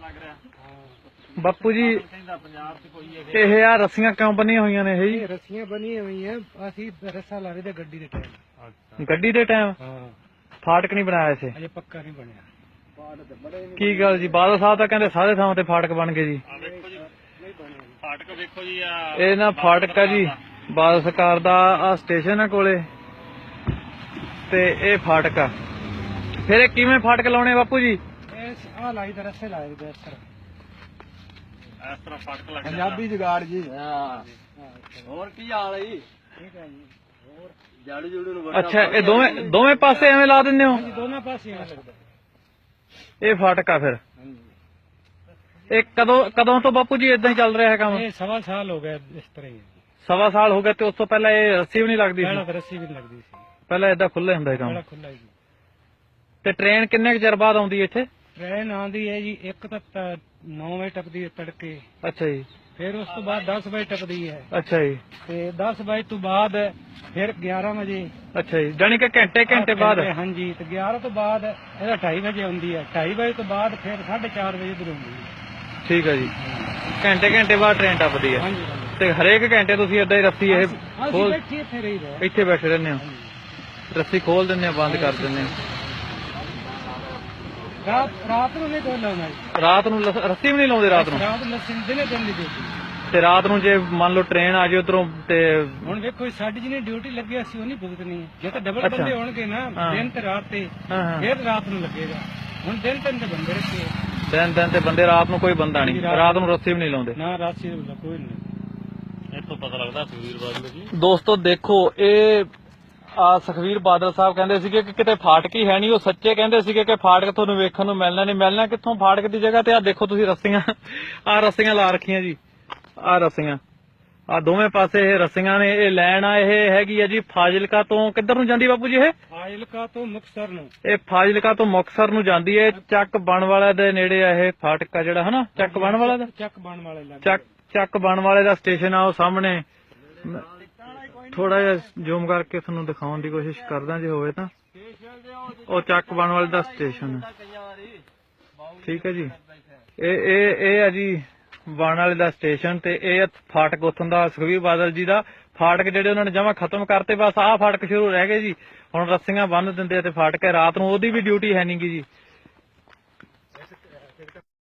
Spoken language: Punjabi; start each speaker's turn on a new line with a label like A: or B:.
A: ਬਾਪੂ ਜੀ ਇਹ ਆ ਰੱਸੀਆਂ ਕਿਉਂ ਬੰਨੀਆਂ ਹੋਈਆਂ ਨੇ? ਇਹ ਜੀ
B: ਰੱਸੀਆਂ ਬੰਨੀਆਂ ਹੋਈਆਂ, ਅਸੀਂ ਰੱਸਾ ਲਾ ਰਹੇ ਤੇ ਗੱਡੀ ਦੇ ਟਾਈਮ।
A: ਗੱਡੀ ਦੇ ਟਾਈਮ?
B: ਹਾਂ,
A: ਫਾਟਕ ਨਹੀਂ ਬਣਾਇਆ ਇੱਥੇ?
B: ਅਜੇ ਪੱਕਾ ਨਹੀਂ ਬਣਿਆ।
A: ਕੀ ਗੱਲ ਜੀ, ਬਾਦਲ ਸਾਹਿਬ ਤਾਂ ਕਹਿੰਦੇ ਸਾਰੇ ਥਾਂ ਤੇ ਫਾਟਕ ਬਣ ਗਏ ਜੀ।
C: ਫਾਟਕ ਵੇਖੋ ਜੀ,
A: ਇਹ ਨਾ ਫਾਟਕ ਆ ਜੀ, ਬਾਦਲ ਸਰਕਾਰ ਦਾ ਆ ਸਟੇਸ਼ਨ ਆ ਕੋਲੇ ਤੇ ਇਹ ਫਾਟਕ ਆ। ਫਿਰ ਇਹ ਕਿਵੇਂ ਫਾਟਕ ਲਾਉਣੇ ਬਾਪੂ ਜੀ?
B: ਇਹ ਆ ਲਾਈ ਤੇ ਰੱਸੇ ਲਾਏ ਤੇ ਇਸ
C: ਤਰ੍ਹਾਂ ਫਾਟਕ ਲੱਗਦਾ।
B: ਪੰਜਾਬੀ ਜੁਗਾੜ ਜੀ।
C: ਹੋਰ ਕੀ ਹਾਲ ਹੈ ਜੀ?
B: ਠੀਕ ਹੈ ਜੀ। ਹੋਰ
C: ਜਾੜੂ ਜੂੜੂ ਨੂੰ
A: ਅੱਛਾ, ਇਹ ਦੋਵੇਂ ਪਾਸੇ ਐਵੇਂ ਲਾ ਦਿੰਦੇ ਹੋ?
B: ਹਾਂਜੀ, ਦੋਨਾਂ ਪਾਸੇ ਐਵੇਂ ਲੱਗਦਾ।
A: ਇਹ ਫਾਟਕ ਆ ਫਿਰ?
B: ਹਾਂਜੀ।
A: ਇਹ ਕਦੋਂ ਤੋਂ ਬਾਪੂ ਜੀ ਇਦਾਂ ਹੀ ਚੱਲ ਰਿਹਾ ਹੈ ਕੰਮ?
B: ਇਹ 1.25 ਸਾਲ ਹੋ ਗਏ ਇਸ ਤਰ੍ਹਾਂ ਹੀ।
A: 1.25 ਸਾਲ ਹੋ ਗਏ ਤੇ ਉਸ ਤੋਂ ਪਹਿਲਾਂ ਇਹ ਰੱਸੀ ਵੀ ਨਹੀਂ ਲੱਗਦੀ
B: ਪਹਿਲਾਂ
A: ਸੀ?
B: ਤਾਂ ਰੱਸੀ ਵੀ ਨਹੀਂ ਲੱਗਦੀ ਸੀ,
A: ਪਹਿਲਾਂ ਏਦਾਂ ਖੁੱਲੇ ਹੁੰਦਾ ਸੀ ਕੰਮ?
B: ਪਹਿਲਾਂ ਖੁੱਲਾ ਜੀ।
A: ਤੇ ਟ੍ਰੇਨ ਕਿੰਨੇ ਕੁ ਚਿਰ ਬਾਅਦ ਆਉਂਦੀ ਹੈ ਇੱਥੇ?
B: ਟ੍ਰੇਨ ਆਉਂਦੀ ਹੈ ਜੀ, ਇੱਕ ਤਾਂ 9 ਵਜੇ ਟੱਪਦੀ ਹੈ ਤੜਕੇ,
A: ਅੱਛਾ ਜੀ।
B: ਫਿਰ ਉਸ ਤੋਂ ਬਾਅਦ 10 ਵਜੇ ਟੱਪਦੀ ਹੈ,
A: ਅੱਛਾ ਜੀ।
B: ਤੇ 10 ਵਜੇ ਤੋਂ ਬਾਅਦ ਫਿਰ 11 ਵਜੇ।
A: ਅੱਛਾ ਜੀ, ਜਾਣੀ ਕਿ ਘੰਟੇ ਬਾਅਦ?
B: ਹਾਂਜੀ, ਤੇ 11 ਤੋਂ ਬਾਅਦ ਇਹਦਾ 2:30 ਵਜੇ ਆਉਂਦੀ ਹੈ, 2:30 ਵਜੇ ਤੋਂ ਬਾਅਦ ਫਿਰ 4:30 ਵਜੇ ਦਰ ਹੁੰਦੀ ਹੈ।
A: ਠੀਕ ਹੈ ਜੀ, ਘੰਟੇ ਬਾਅਦ ਟ੍ਰੇਨ ਟੱਪਦੀ ਹੈ।
B: ਹਾਂਜੀ,
A: ਤੇ ਹਰੇਕ ਘੰਟੇ ਤੁਸੀਂ ਏਦਾਂ ਹੀ ਰੱਸੀ ਇਹ
B: ਅਸੀਂ ਬੈਠੇ ਇੱਥੇ ਰਹੀ ਰਹੇ।
A: ਇੱਥੇ ਬੈਠੇ ਰਹਿੰਦੇ ਹੋ? ਰੱਸੀ ਖੋਲ ਦਿੰਦੇ ਆ, ਬੰਦ ਕਰ ਦਿੰਦੇ ਆ?
B: ਰਾਤ ਨੂੰ ਨਹੀਂ ਲਾਉਣਾ ਜੀ।
A: ਰਾਤ ਨੂੰ ਰੱਸੀ ਵੀ ਨਹੀਂ ਲਾਉਂਦੇ? ਰਾਤ ਨੂੰ
B: ਲੱਸੀ ਦਿਨੇ ਦਿਨ ਦੀ ਡਿਊਟੀ।
A: ਤੇ ਰਾਤ ਨੂੰ ਜੇ ਮੰਨ ਲਓ ਟ੍ਰੇਨ ਆ ਜਾਏ ਉਧਰੋਂ ਤੇ?
B: ਹੁਣ ਵੇਖੋ ਸਾਡੀ ਜਿਹਨੇ ਡਿਊਟੀ ਲੱਗੀ ਅਸੀਂ ਉਹ ਨਹੀਂ ਭੁਗਤਣੀ। ਜੇ ਤਾਂ ਡਬਲ ਬੰਦੇ ਹੋਣਗੇ ਨਾ, ਦਿਨ ਤੇ ਰਾਤ ਤੇ, ਫਿਰ ਰਾਤ ਨੂੰ ਲੱਗੇਗਾ। ਹੁਣ ਦਿਨ ਤੇ ਬੰਦੇ ਰੱਖੇ,
A: ਦਿਨ ਤੇ ਬੰਦੇ, ਰਾਤ ਨੂੰ ਕੋਈ ਬੰਦਾ ਨਹੀਂ। ਰਾਤ ਨੂੰ ਰੱਸੀ ਵੀ ਨਹੀਂ ਲਾਉਂਦੇ?
B: ਨਾ, ਰਾਸੀ ਕੋਈ ਨਹੀਂ।
C: ਇੱਥੋਂ ਪਤਾ ਲੱਗਦਾ ਸੁਖਬੀਰ ਬਾਦਲ ਜੀ।
A: ਦੋਸਤੋ ਦੇਖੋ, ਇਹ ਸੁਖਬੀਰ ਬਾਦਲ ਸਾਹਿਬ ਕਹਿੰਦੇ ਸੀਗੇ ਕਿ ਕਿਤੇ ਫਾਟਕ ਹੀ ਹੈ ਨਹੀਂ। ਉਹ ਸੱਚੇ ਕਹਿੰਦੇ ਸੀਗੇ ਕਿ ਫਾਟਕ ਤੁਹਾਨੂੰ ਵੇਖਣ ਨੂੰ ਮਿਲਣਾ ਨਹੀਂ। ਮਿਲਣਾ ਕਿੱਥੋਂ ਫਾਟਕ ਦੀ ਜਗ੍ਹਾ ਤੇ? ਆ ਦੇਖੋ ਤੁਸੀਂ ਰੱਸੀਆਂ, ਆ ਰੱਸੀਆਂ ਲਾ ਰੱਖੀਆਂ ਜੀ, ਆ ਰੱਸੀਆਂ, ਆ ਦੋਵੇਂ ਪਾਸੇ ਇਹ ਰੱਸੀਆਂ ਨੇ। ਇਹ ਲਾਈਨ ਆ, ਇਹ ਹੈਗੀ ਆ ਜੀ ਫਾਜ਼ਿਲਕਾ ਤੋਂ। ਕਿੱਧਰ ਨੂੰ ਜਾਂਦੀ ਬਾਪੂ ਜੀ ਇਹ?
B: ਫਾਜ਼ਿਲਕਾ ਤੋਂ ਮੁਕਤਸਰ ਨੂੰ।
A: ਇਹ ਫਾਜ਼ਿਲਕਾ ਤੋਂ ਮੁਕਤਸਰ ਨੂੰ ਜਾਂਦੀ ਹੈ। ਚੱਕ ਬਣ ਵਾਲਾ ਦੇ ਨੇੜੇ ਆ ਇਹ ਫਾਟਕ ਆ ਜਿਹੜਾ, ਹਨਾ? ਚੱਕ ਬਣ ਵਾਲਾ ਦਾ,
B: ਚੱਕ ਬਣ ਵਾਲੇ
A: ਚੱਕ ਬਣ ਵਾਲੇ ਦਾ ਸਟੇਸ਼ਨ ਆ ਉਹ ਸਾਹਮਣੇ। ਥੋੜਾ ਜਿਹਾ ਜ਼ੂਮ ਕਰਕੇ ਤੁਹਾਨੂੰ ਦਿਖਾਉਣ ਦੀ ਕੋਸ਼ਿਸ਼ ਕਰਦਾ ਜੇ ਹੋਵੇ ਤਾਂ। ਉਹ ਚੱਕ ਬਣ ਵਾਲੇ ਦਾ ਸਟੇਸ਼ਨ ਹੈ, ਠੀਕ ਹੈ ਜੀ। ਇਹ ਆ ਜੀ ਬਣ ਵਾਲੇ ਦਾ ਸਟੇਸ਼ਨ, ਤੇ ਇਹ ਫਾਟਕ ਉੱਥੋਂ ਦਾ ਸੁਖਬੀਰ ਬਾਦਲ ਜੀ ਦਾ ਫਾਟਕ ਜਿਹੜੇ ਉਹਨਾਂ ਨੇ ਜਮਾ ਖਤਮ ਕਰਤੇ। ਬਸ ਆਹ ਫਾਟਕ ਸ਼ੁਰੂ ਰਹਿ ਗਏ ਜੀ। ਹੁਣ ਰੱਸੀਆਂ ਬੰਨ ਦਿੰਦੇ ਆ ਤੇ ਫਾਟਕ ਹੈ। ਰਾਤ ਨੂੰ ਉਹਦੀ ਵੀ ਡਿਊਟੀ ਹੈ ਨੀ ਗੀ ਜੀ।